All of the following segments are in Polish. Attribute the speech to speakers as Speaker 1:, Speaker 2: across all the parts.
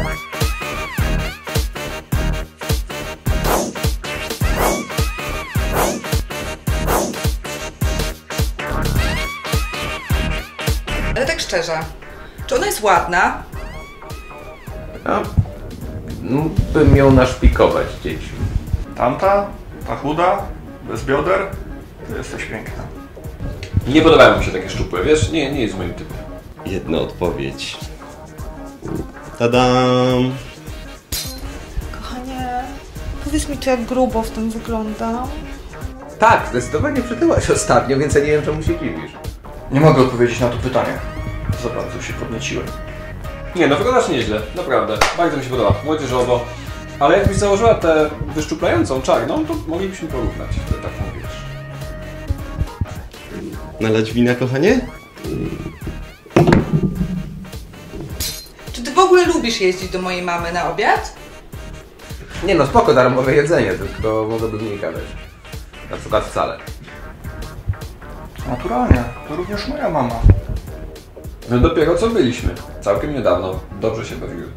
Speaker 1: Ale tak szczerze, czy ona jest ładna?
Speaker 2: Bym ją naszpikować dzieci.
Speaker 3: Tamta? Ta chuda? Bez bioder? Ty jesteś piękna.
Speaker 4: Nie podobają mi się takie szczupłe, wiesz? Nie jest moim typem.
Speaker 5: Jedna odpowiedź. Tadam!
Speaker 6: Kochanie, powiedz mi, czy jak grubo w tym wyglądam?
Speaker 2: Tak, zdecydowanie przytyłaś ostatnio, więc ja nie wiem, czemu się dziwisz.
Speaker 3: Nie mogę odpowiedzieć na to pytanie. Za bardzo się podnieciłem.
Speaker 4: Nie, no wyglądasz nieźle, naprawdę. Bardzo mi się podoba, młodzieżowo. Ale jakbyś założyła tę wyszczuplającą czarną, to moglibyśmy porównać, tak mówisz.
Speaker 5: Nalać wina, kochanie?
Speaker 1: Czy ty w ogóle lubisz jeździć do mojej mamy na obiad?
Speaker 2: Nie no, spoko, darmowe jedzenie, tylko mogłoby mniej gadać. Na przykład wcale.
Speaker 3: Naturalnie, to również moja mama.
Speaker 4: No dopiero co byliśmy. Całkiem niedawno. Dobrze się bawiły.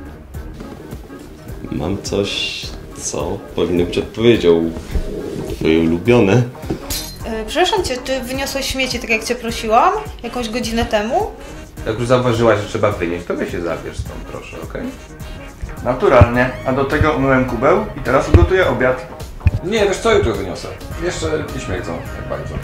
Speaker 5: Mam coś, co powinno być odpowiedzią. Twoje ulubione.
Speaker 6: Przepraszam cię, ty wyniosłeś śmieci tak jak cię prosiłam? Jakąś godzinę temu?
Speaker 2: Jak już zauważyłaś, że trzeba wynieść, to weź się zabierz stąd, proszę, okej?
Speaker 3: Naturalnie, a do tego umyłem kubeł i teraz ugotuję obiad.
Speaker 4: Nie, wiesz co, jutro wyniosę. Jeszcze nie śmierdzą, tak bardzo.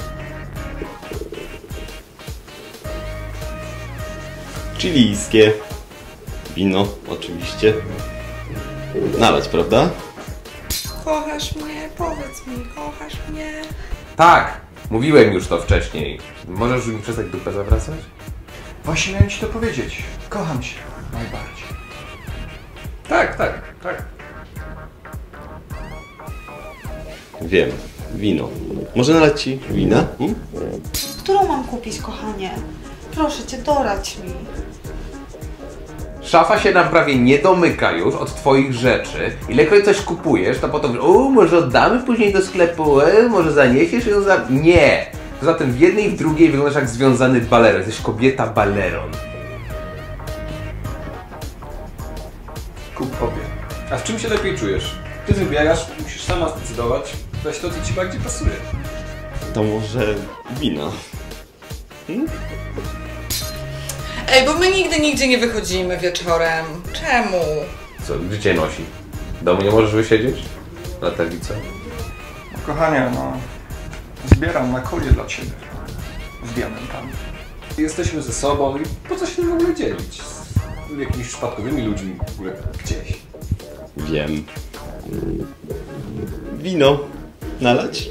Speaker 5: Chilijskie. Wino, oczywiście. Nalać, prawda?
Speaker 1: Kochasz mnie, powiedz mi, kochasz mnie.
Speaker 2: Tak! Mówiłem już to wcześniej. Możesz mi przestać dupę zawracać?
Speaker 3: Właśnie miałem ci to powiedzieć. Kocham cię. Najbardziej.
Speaker 4: Tak.
Speaker 5: Wiem. Wino. Może nalać ci wina?
Speaker 6: Którą mam kupić, kochanie? Proszę cię, doradź mi.
Speaker 2: Szafa się nam prawie nie domyka już od twoich rzeczy. Ilekroć coś kupujesz, to potem może oddamy później do sklepu, może zaniesiesz ją za... Nie! Poza tym w jednej i w drugiej wyglądasz jak związany baleron. Jesteś kobieta baleron.
Speaker 3: Kup obie.
Speaker 4: A w czym się lepiej czujesz? Ty wybierasz, musisz sama zdecydować. Weź to, co ci bardziej pasuje.
Speaker 5: To może wino.
Speaker 1: Ej, bo my nigdzie nie wychodzimy wieczorem. Czemu?
Speaker 2: Co, gdzie cię nosi? W domu nie możesz wysiedzieć? Na tablicy?
Speaker 3: No, kochanie, no... Zbieram na kolię dla ciebie. Z diamentami.
Speaker 4: Jesteśmy ze sobą i po co się w ogóle dzielić? Z jakimiś przypadkowymi ludźmi w ogóle gdzieś.
Speaker 5: Wiem. Wino. Nalać?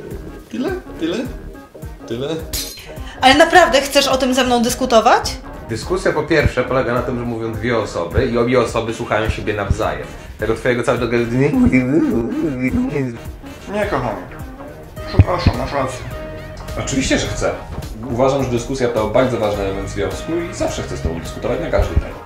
Speaker 5: Tyle?
Speaker 6: Ale naprawdę chcesz o tym ze mną dyskutować?
Speaker 2: Dyskusja po pierwsze polega na tym, że mówią dwie osoby i obie osoby słuchają siebie nawzajem. Tego twojego całego...
Speaker 3: Nie, kochanie. Przepraszam, masz rację.
Speaker 4: Oczywiście, że chcę. Uważam, że dyskusja to bardzo ważny element związku i zawsze chcę z tobą dyskutować na każdy temat.